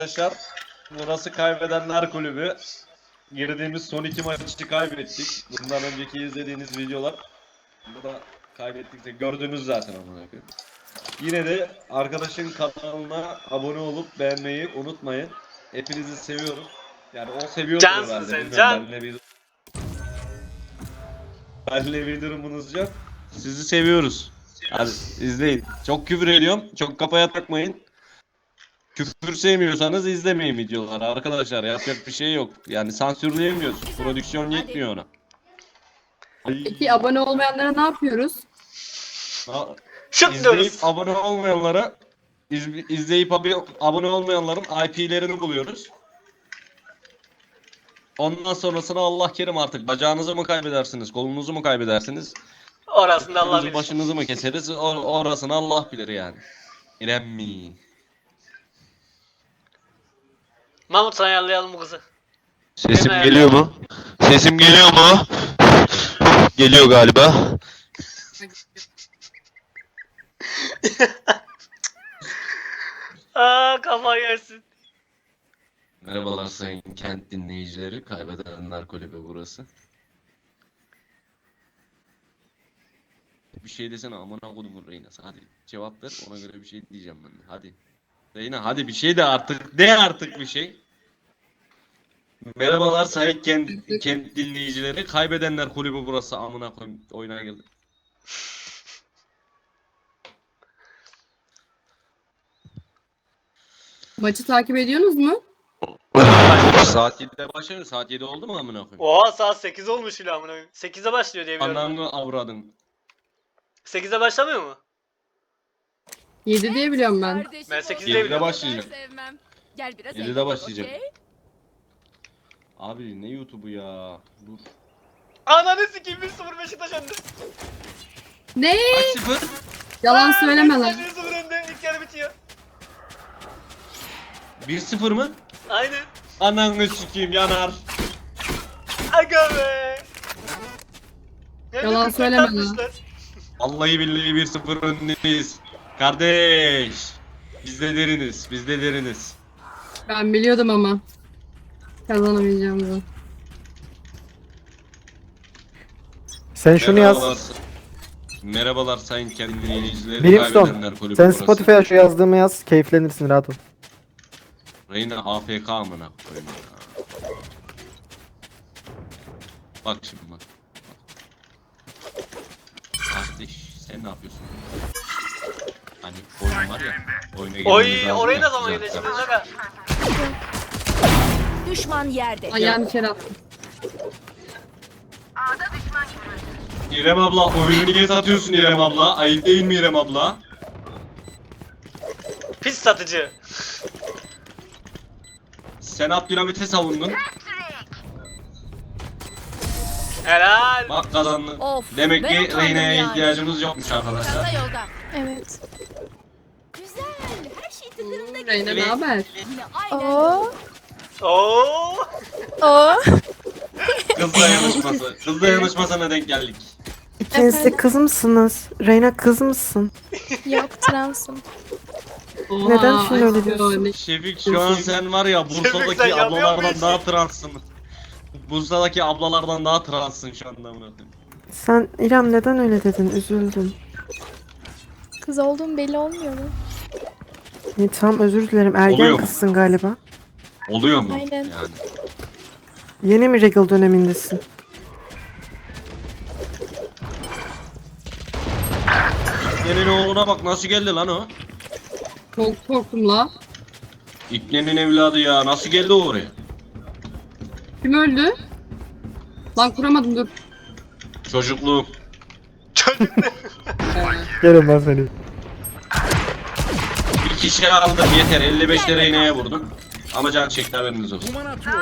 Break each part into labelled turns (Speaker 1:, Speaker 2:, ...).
Speaker 1: Arkadaşlar burası kaybedenler kulübü. Girdiğimiz son 2 maçı kaybettik. Bundan önceki izlediğiniz videolar bu da kaybettik de gördünüz zaten amına koyayım. Yine de arkadaşın kanalına abone olup beğenmeyi unutmayın. Hepinizi seviyorum. Yani o seviyordur
Speaker 2: Cansın
Speaker 1: herhalde.
Speaker 2: sen,
Speaker 1: Bilmiyorum,
Speaker 2: can.
Speaker 1: benimle bir durumunuz yok. Sizi seviyoruz. Hadi izleyin. Çok küfür ediyorum. Çok kafaya takmayın. Küfür sevmiyorsanız izlemeyin videoları arkadaşlar. Yapacak bir şey yok. Yani sansürleyemiyoruz. Prodüksiyon yetmiyor ona.
Speaker 3: Peki abone olmayanlara ne yapıyoruz?
Speaker 2: Şut
Speaker 1: İzleyip
Speaker 2: diyoruz.
Speaker 1: abone olmayanlara izleyip abone olmayanların IP'lerini buluyoruz. Ondan sonrasını Allah kerim artık. Bacağınızı mı kaybedersiniz? Kolunuzu mu kaybedersiniz?
Speaker 2: Orasını da Allah
Speaker 1: Başınızı,
Speaker 2: bilir.
Speaker 1: başınızı mı keseriz? Orasını Allah bilir yani. İrem mi?
Speaker 2: Mahmut sana ayarlayalım bu kızı.
Speaker 4: Sesim
Speaker 2: Hemen
Speaker 4: geliyor mu? Sesim geliyor mu? Geliyor galiba.
Speaker 2: Kafa yersin.
Speaker 1: Merhabalar sayın kent dinleyicileri. Kaybedenler kulübü burası. Bir şey desene amına kodumun Reyna'sı. Hadi cevap ver, ona göre bir şey diyeceğim ben de. Hadi. Reyna hadi bir şey de artık. De artık bir şey. Merhabalar sayın kent dinleyicileri. Kaybedenler kulübü burası amına koyayım. Oyuna geldi.
Speaker 3: Maçı takip ediyorsunuz mu?
Speaker 1: Saat 7'de başlıyor. Saat 7 oldu mu amına koyayım?
Speaker 2: Oha saat 8 olmuş bile amına koyayım. 8'de başlıyor diye biliyorum.
Speaker 1: Ananı avradın.
Speaker 2: 8'de başlamıyor mu?
Speaker 3: 7 diye biliyorum ben.
Speaker 2: Ben 8'de
Speaker 1: 7'de
Speaker 2: biliyorum.
Speaker 1: başlayacak.
Speaker 5: Sevmem. Gel biraz
Speaker 1: 7'de
Speaker 5: eğlenelim,
Speaker 1: başlayacak.
Speaker 5: okey?
Speaker 1: Abi ne YouTube'u ya? Dur.
Speaker 2: Ananı sikeyim 1-0 Beşiktaş önde.
Speaker 3: Ne?
Speaker 1: Kaç 0?
Speaker 3: Yalan söyleme lan.
Speaker 2: Beşiktaş 1-0 önde. İlk yarı bitiyor.
Speaker 1: 1-0 mı?
Speaker 2: Aynen.
Speaker 1: Ananı sikeyim yanar.
Speaker 2: Aga be.
Speaker 3: Yalan söyleme lan.
Speaker 1: Vallahi billahi 1-0 öndeyiz. Kardeş. Biz de deriniz. Biz de deriniz.
Speaker 3: Ben biliyordum ama. Kazanamayacağımızı.
Speaker 6: Sen şunu
Speaker 1: Merhabalar.
Speaker 6: yaz.
Speaker 1: Merhabalar sayın kendi dinleyicileri.
Speaker 6: Brimstone.
Speaker 1: Kaybedenler kulübü
Speaker 6: Sen
Speaker 1: burası.
Speaker 6: Spotify'a şu yazdığımı yaz. Keyiflenirsin, rahat ol.
Speaker 1: Reyna AFK amına koyayım ya. Bak şimdi bak. Kardeş sen ne yapıyorsun? Hani oyun var ya. Oyuna girmemiz
Speaker 2: Oy
Speaker 1: lazım
Speaker 2: orayı
Speaker 1: ya,
Speaker 2: ne zaman
Speaker 1: güzel.
Speaker 2: yöneteceğiz aga?
Speaker 5: Düşman yerde.
Speaker 3: Ayağını içeri attım.
Speaker 1: İrem abla oyunu niye satıyorsun İrem abla? Ayıp değil mi İrem abla?
Speaker 2: Pis satıcı.
Speaker 1: Sen Abdülhamit'e savundun.
Speaker 2: Helal.
Speaker 1: Bak kazandın.
Speaker 5: Of,
Speaker 1: Demek
Speaker 5: ben
Speaker 1: ki
Speaker 5: utandım
Speaker 1: Reyna'ya
Speaker 5: yani.
Speaker 1: ihtiyacımız yokmuş arkadaşlar.
Speaker 5: Çanta yolda.
Speaker 7: Evet.
Speaker 5: Güzel. Her şey tıkırında gidiyor.
Speaker 3: Reyna ne haber?
Speaker 5: Yine aynen.
Speaker 7: Oo.
Speaker 2: Oo.
Speaker 7: Oo.
Speaker 1: Kızla yanışması. Kızla yanışmasına denk geldik.
Speaker 6: İkiniz de kız mısınız? Reyna kız mısın?
Speaker 7: Yok, transım.
Speaker 3: Oha,
Speaker 6: Neden şimdi öyle
Speaker 3: ay,
Speaker 6: diyorsun?
Speaker 3: ne-
Speaker 1: Şefik şu an sen var ya
Speaker 2: Şefik, sen
Speaker 1: Bursa'daki
Speaker 2: yapıyor
Speaker 1: ablalardan
Speaker 2: musun?
Speaker 1: daha transsın. Bursa'daki ablalardan daha transsın şu anda amına koyayım.
Speaker 6: Sen İrem neden öyle dedin? Üzüldüm.
Speaker 7: Kız olduğum belli olmuyor mu?
Speaker 6: İyi, tamam, özür dilerim. Ergen
Speaker 1: Oluyor mu?
Speaker 6: kızsın galiba.
Speaker 1: Oluyor mu?
Speaker 7: Aynen.
Speaker 1: Yani.
Speaker 6: Yeni mi regal dönemindesin?
Speaker 1: İknenin oğluna bak nasıl geldi lan o?
Speaker 3: Çok korktum la.
Speaker 1: İknenin evladı ya nasıl geldi oraya?
Speaker 3: Kim öldü? Lan kuramadım dur.
Speaker 1: Çocukluğum.
Speaker 2: Çocuk ne?
Speaker 6: Gelin ben seni.
Speaker 1: Bir kişi aldım yeter 55 lira iğneye vurdum. Ama can çekti haberiniz olsun.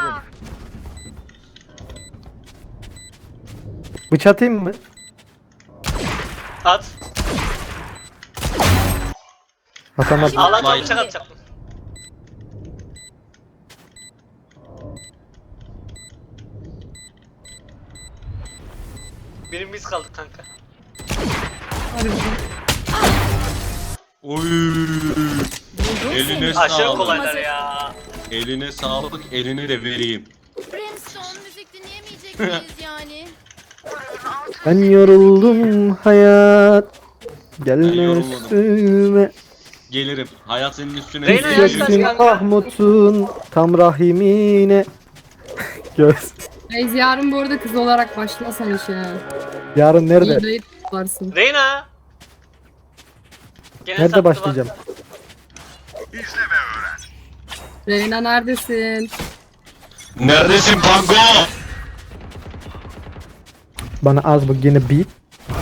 Speaker 6: Bıçak atayım mı?
Speaker 2: At.
Speaker 6: Atamadım.
Speaker 2: Allah
Speaker 1: Vay.
Speaker 2: çok bıçak atacaktım. Birim biz kaldık kanka.
Speaker 3: Hadi bakalım.
Speaker 1: Oy. Eline
Speaker 2: Aşırı
Speaker 1: sağlık.
Speaker 2: kolaylar ya.
Speaker 1: Eline sağlık, elini de vereyim.
Speaker 5: Brimstone müzik dinleyemeyecek miyiz yani?
Speaker 6: Ben yoruldum hayat.
Speaker 1: Ben
Speaker 6: Gelme
Speaker 1: yorulmadım.
Speaker 6: üstüme.
Speaker 1: Gelirim. Hayat senin üstüne.
Speaker 2: Reyna
Speaker 1: geliyor.
Speaker 2: yaş kaç
Speaker 6: Göksün
Speaker 2: kanka?
Speaker 6: Mahmut'un tam rahimine. Göz.
Speaker 3: Reis yarın bu arada kız olarak başlasan işe.
Speaker 6: Yarın
Speaker 3: İyi
Speaker 6: nerede?
Speaker 3: dayı varsın.
Speaker 2: Reyna. Gene
Speaker 6: Nerede
Speaker 2: sattı
Speaker 6: başlayacağım?
Speaker 2: bak.
Speaker 3: Reyna neredesin?
Speaker 4: Neredesin Pango?
Speaker 6: Bana az bu yine beat.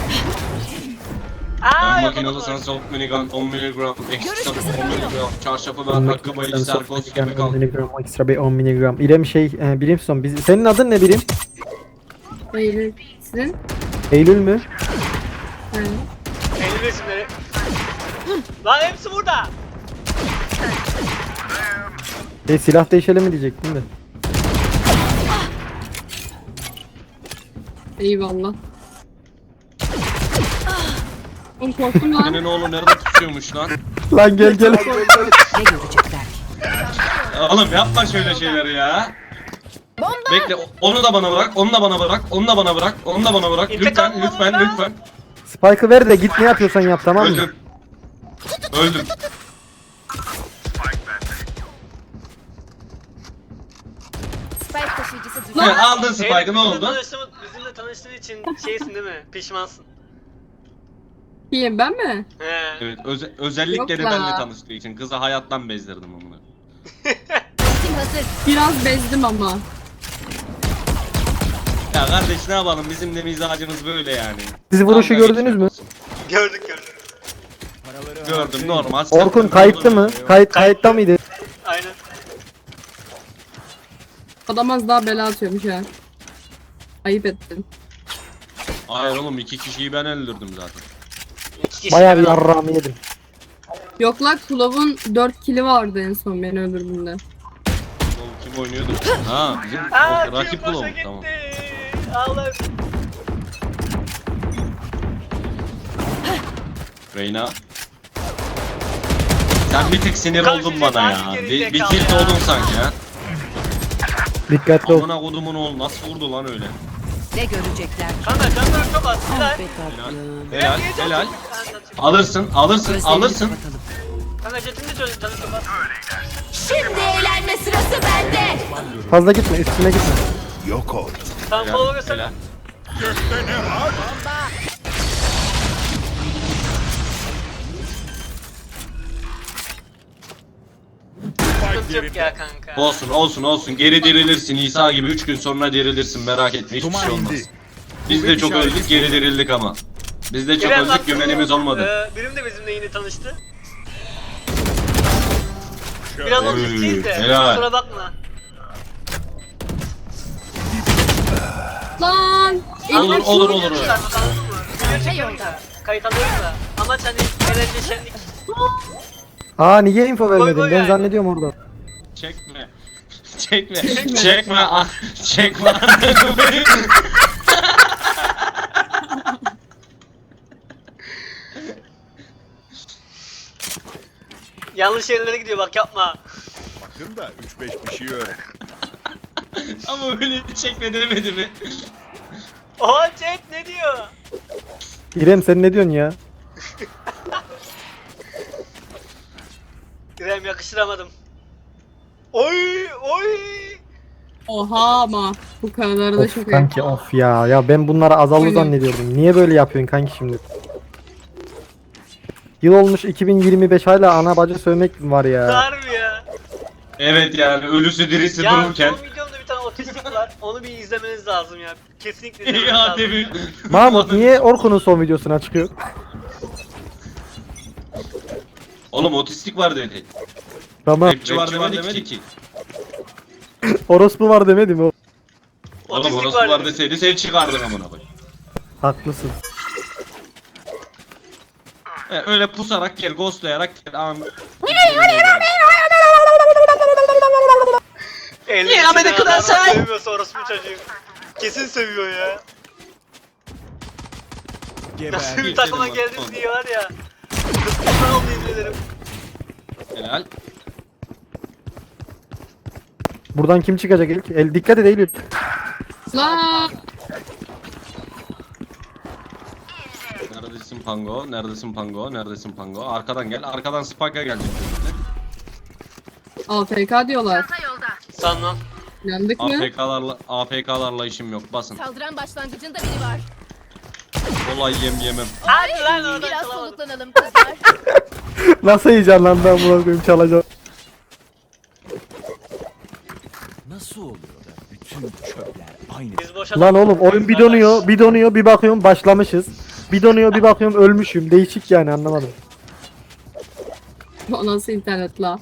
Speaker 2: Aa
Speaker 1: Ben
Speaker 2: yapamadım.
Speaker 1: makinalı sen soft minigun 10 miligram, ekstra 10 miligram, çarşafı ver, hakkı bayı, serkos gibi
Speaker 6: 10
Speaker 1: kal.
Speaker 6: miligram, ekstra bir 10 miligram. İrem Brimstone. Senin adın ne Birim?
Speaker 3: Eylül. Sizin?
Speaker 6: Eylül mü?
Speaker 3: Evet.
Speaker 2: Eylül resimleri. Lan hepsi burada.
Speaker 6: Silah değişelim mi diyecektim de.
Speaker 3: Eyvallah. Oğlum korktum lan.
Speaker 1: Senin oğlu nerede tutuyormuş lan?
Speaker 6: Lan gel gel.
Speaker 1: Oğlum yapma şöyle şeyleri ya. Bekle, onu da bana bırak, onu da bana bırak, onu da bana bırak, onu da bana bırak.
Speaker 2: İntikam
Speaker 1: Lütfen, lütfen,
Speaker 2: alın lan.
Speaker 1: lütfen.
Speaker 6: Spike'ı ver de git ne yapıyorsan yap tamam mı?
Speaker 1: Öldüm. Öldüm.
Speaker 5: Spike taşıyıcısı düştü.
Speaker 1: Evet, aldın
Speaker 2: Eylül,
Speaker 1: Spike'ı ne
Speaker 2: bizimle
Speaker 1: oldu?
Speaker 2: bizimle tanıştığın için şeysin değil mi? Pişmansın.
Speaker 3: Kim ben mi?
Speaker 2: He.
Speaker 1: Evet, özellikle
Speaker 3: Yok
Speaker 1: de
Speaker 3: la.
Speaker 1: benimle tanıştığı için kızı hayattan bezdirdim onu.
Speaker 5: Ultim hazır.
Speaker 3: Biraz bezdim ama.
Speaker 1: Ya kardeş ne yapalım, bizim de mizacımız böyle yani.
Speaker 6: Siz vuruşu
Speaker 1: Dalga
Speaker 6: gördünüz mü?
Speaker 1: geçiyoruz.
Speaker 2: Gördük.
Speaker 1: Gördüm, normal.
Speaker 6: Orkun
Speaker 1: Sıkıntı
Speaker 6: kayıtlı
Speaker 1: olur
Speaker 6: mı?
Speaker 1: yani.
Speaker 6: Kayıtta mıydı?
Speaker 2: Aynen.
Speaker 3: Adam az daha bela atıyormuş ha. Ayıp ettin.
Speaker 1: Hayır oğlum, 2 kişiyi ben öldürdüm zaten.
Speaker 2: İki kişi
Speaker 6: Bayağı bir
Speaker 2: ben-
Speaker 6: yarrağımı yedim.
Speaker 3: Yok lan Kulov'un 4 kili vardı en son beni öldürdüğünde.
Speaker 1: Oğlum kim oynuyordu? Ha, bizim
Speaker 2: Aa,
Speaker 1: rakip
Speaker 2: kim boşa
Speaker 1: bulalım,
Speaker 2: gitti.
Speaker 1: tamam.
Speaker 2: Allah.
Speaker 1: Reyna. Sen bir tık sinir
Speaker 2: Kanka,
Speaker 1: oldun bana ya.
Speaker 2: geri
Speaker 1: Bir
Speaker 2: zekalı
Speaker 1: tilt
Speaker 2: ya.
Speaker 1: oldun sanki ya.
Speaker 6: Dikkatli ol.
Speaker 1: Amına kodumun oğlu nasıl vurdu lan öyle?
Speaker 8: Ne görecekler?
Speaker 2: Kanka canlar çok az. Helal.
Speaker 8: Be tatlım.
Speaker 1: Helal,
Speaker 2: Niye
Speaker 1: helal.
Speaker 2: çok- Kanka,
Speaker 1: Alırsın, alırsın,
Speaker 8: Gözlerini
Speaker 1: alırsın.
Speaker 8: kapatalım.
Speaker 2: Kanka jetini de çözdüm canı çok az.
Speaker 5: Şimdi eğlenme sırası bende.
Speaker 6: Fazla gitme üstüne gitme.
Speaker 2: Tamam
Speaker 1: Helal,
Speaker 2: kolu göster.
Speaker 1: helal.
Speaker 2: Sıkıntı yok ya kanka.
Speaker 1: Olsun, olsun, olsun. Geri dirilirsin. İsa gibi 3 gün sonra dirilirsin. Merak etme, hiçbir şey olmaz. Biz de çok öldük, geri dirildik ama. Biz de çok
Speaker 2: İrem
Speaker 1: öldük,
Speaker 2: baktın
Speaker 1: güvenimiz
Speaker 2: mı?
Speaker 1: olmadı.
Speaker 2: Birim de bizimle yeni tanıştı. Biraz
Speaker 1: Oy,
Speaker 2: otist değil de.
Speaker 1: helal.
Speaker 2: Kusura bakma.
Speaker 3: Lan!
Speaker 1: Olur,
Speaker 3: Eylül
Speaker 1: olur,
Speaker 3: şunu-
Speaker 1: olur.
Speaker 5: Arka yolda.
Speaker 2: Kayıt alıyoruz da. Amaç hani eğlence şenlik.
Speaker 6: Aa niye info vermedin?
Speaker 2: koy
Speaker 6: Ben
Speaker 2: yani.
Speaker 6: zannediyorum orada.
Speaker 1: Çekme. Çekme. Çekme. Ah, çekme.
Speaker 2: Yanlış yerlere gidiyor bak yapma.
Speaker 9: Bakın da 3-5 bir şey öğren.
Speaker 1: Ama öyle çekme demedi mi?
Speaker 2: Oha chat ne diyor?
Speaker 6: İrem sen ne diyorsun ya?
Speaker 2: İrem yakıştıramadım. Oy oy.
Speaker 3: Oha ama. Bu kadar da
Speaker 6: Of
Speaker 3: çok
Speaker 6: kanki of ya. Ya ben bunları azallı
Speaker 3: Aynen.
Speaker 6: zannediyordum. Niye böyle yapıyorsun kanki şimdi? Yıl olmuş 2025 hala ana bacı sövmek var ya.
Speaker 2: Harbi ya.
Speaker 1: Evet yani ölüsü dirisi
Speaker 2: Ya
Speaker 1: dururken.
Speaker 2: son videomda bir tane otistik var. Onu bir izlemeniz lazım ya. Kesinlikle izlemeniz
Speaker 1: Ya
Speaker 2: lazım.
Speaker 1: demin.
Speaker 6: Mahmut niye Orkun'un son videosuna çıkıyor?
Speaker 1: Oğlum otistik var dedi.
Speaker 6: Tamam.
Speaker 1: Rapçi var demedi ki.
Speaker 6: Orospu var demedi mi o?
Speaker 1: Oğlum
Speaker 2: Otistik
Speaker 1: orası
Speaker 2: var
Speaker 1: var
Speaker 2: dedi.
Speaker 1: deseydi sen çıkardın amına koyayım.
Speaker 6: Haklısın.
Speaker 1: Öyle pusarak gel, ghostlayarak gel.
Speaker 2: Ya beni kadar say. Seviyorsa orospu çocuğu. Kesin seviyor ya. Nasıl bir takıma geldin diye var ya. Kısmından oldu izlerim.
Speaker 1: Helal.
Speaker 10: Buradan kim çıkacak ilk? Dikkat et Eylül.
Speaker 3: La.
Speaker 1: Neredesin Pango? Neredesin Pango? Neredesin Pango? Arkadan gel. Arkadan Spike'a gelecek.
Speaker 3: AFK diyorlar.
Speaker 2: Sanmam.
Speaker 3: Yandık mı?
Speaker 1: AFK'larla işim yok. Basın.
Speaker 5: Saldıran başlangıcında biri var.
Speaker 1: Olay yemem.
Speaker 2: Hadi lan oradan
Speaker 5: Biraz
Speaker 2: çalamadım.
Speaker 5: soluklanalım kızlar.
Speaker 10: Nasıl heyecanlandı amına koyayım çalacağım.
Speaker 9: Nasıl oluyor da bütün çöpler aynı?
Speaker 2: Biz boşa
Speaker 10: Lan oğlum oyun bir donuyor bir bakıyorum başlamışız. Bir donuyor bir bakıyorum ölmüşüm. Değişik yani anlamadım.
Speaker 3: O nasıl internet la?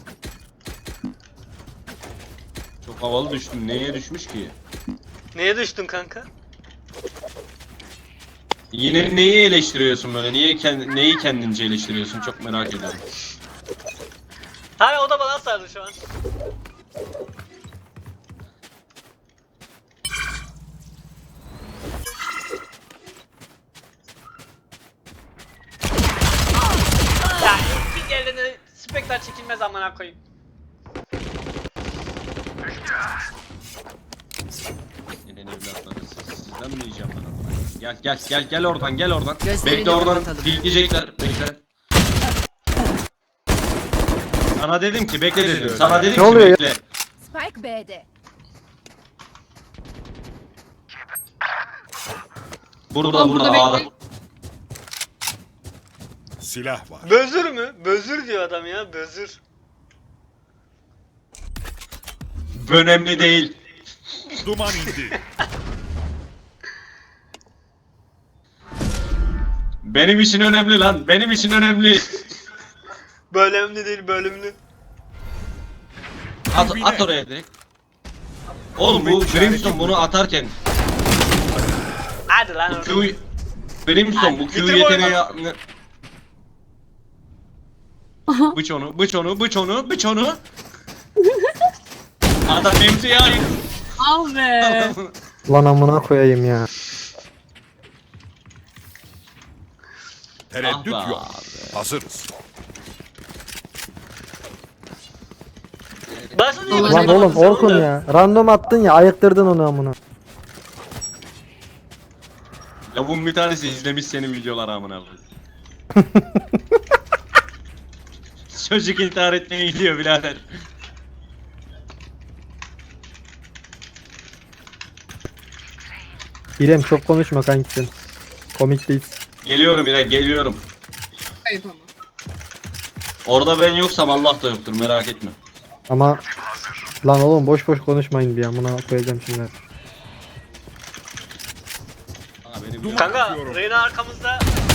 Speaker 1: Çok havalı düştüm. Neye düşmüş ki?
Speaker 2: Neye düştün kanka?
Speaker 1: Yine neyi eleştiriyorsun böyle? Neyi kendince eleştiriyorsun? Çok merak ediyorum.
Speaker 2: Hayır o da bana sardı şu an. Ya ilk ellerine spekler çekilmez amına koyayım.
Speaker 1: Yine evlatları sizden mi yiyeceğim ben onu? Gel oradan.
Speaker 8: Gözlerini
Speaker 1: Bekle oradan.
Speaker 8: kapatalım.
Speaker 1: Bilgecekler. Bekle. Sana dedim ki bekle dedim. Sana dedim
Speaker 10: Ne
Speaker 1: ki
Speaker 10: oluyor ya?
Speaker 1: bekle.
Speaker 5: Spike B'de.
Speaker 1: Burada
Speaker 3: Burada
Speaker 1: A'da.
Speaker 3: bekle.
Speaker 9: Silah var.
Speaker 2: Bözür mü? Bözür diyor adam ya, bözür.
Speaker 1: Önemli değil.
Speaker 9: Duman indi.
Speaker 1: Benim için önemli lan. Benim için önemli.
Speaker 2: Bölümlü değil, bölümlü.
Speaker 1: At oraya direkt. Oğlum bu Brimstone bunu atarken
Speaker 2: Hadi lan
Speaker 1: bu
Speaker 2: oradan.
Speaker 1: Q Brimstone bu Q
Speaker 2: Bitir bu
Speaker 1: yeteneği
Speaker 2: oyunu.
Speaker 1: Bıç onu. Adam MC'ye ayıp.
Speaker 3: Al be.
Speaker 10: Lan amına koyayım ya.
Speaker 9: Tereddüt
Speaker 1: Ah be
Speaker 9: yok. Hazırız.
Speaker 2: Başını niye
Speaker 3: Lan
Speaker 2: başına
Speaker 10: Lan oğlum
Speaker 2: kapattın sen
Speaker 10: Orkun
Speaker 2: onu?
Speaker 10: ya. Random attın ya ayıktırdın onu amına.
Speaker 1: Ya bunun bir tanesi izlemiş senin videoları amına koyayım. Çocuk intihar etmeye gidiyor birader.
Speaker 10: İrem çok konuşma kankisin. Komik değil.
Speaker 1: Geliyorum İrem geliyorum.
Speaker 3: Kayıp ama.
Speaker 1: Orada ben yoksam Allah da yoktur merak etme.
Speaker 10: Ama lan oğlum boş boş konuşmayın bir amına koyacağım şimdi.
Speaker 1: Aa, beni
Speaker 9: Duman
Speaker 2: Kanka
Speaker 9: atıyorum.
Speaker 2: Reyna arkamızda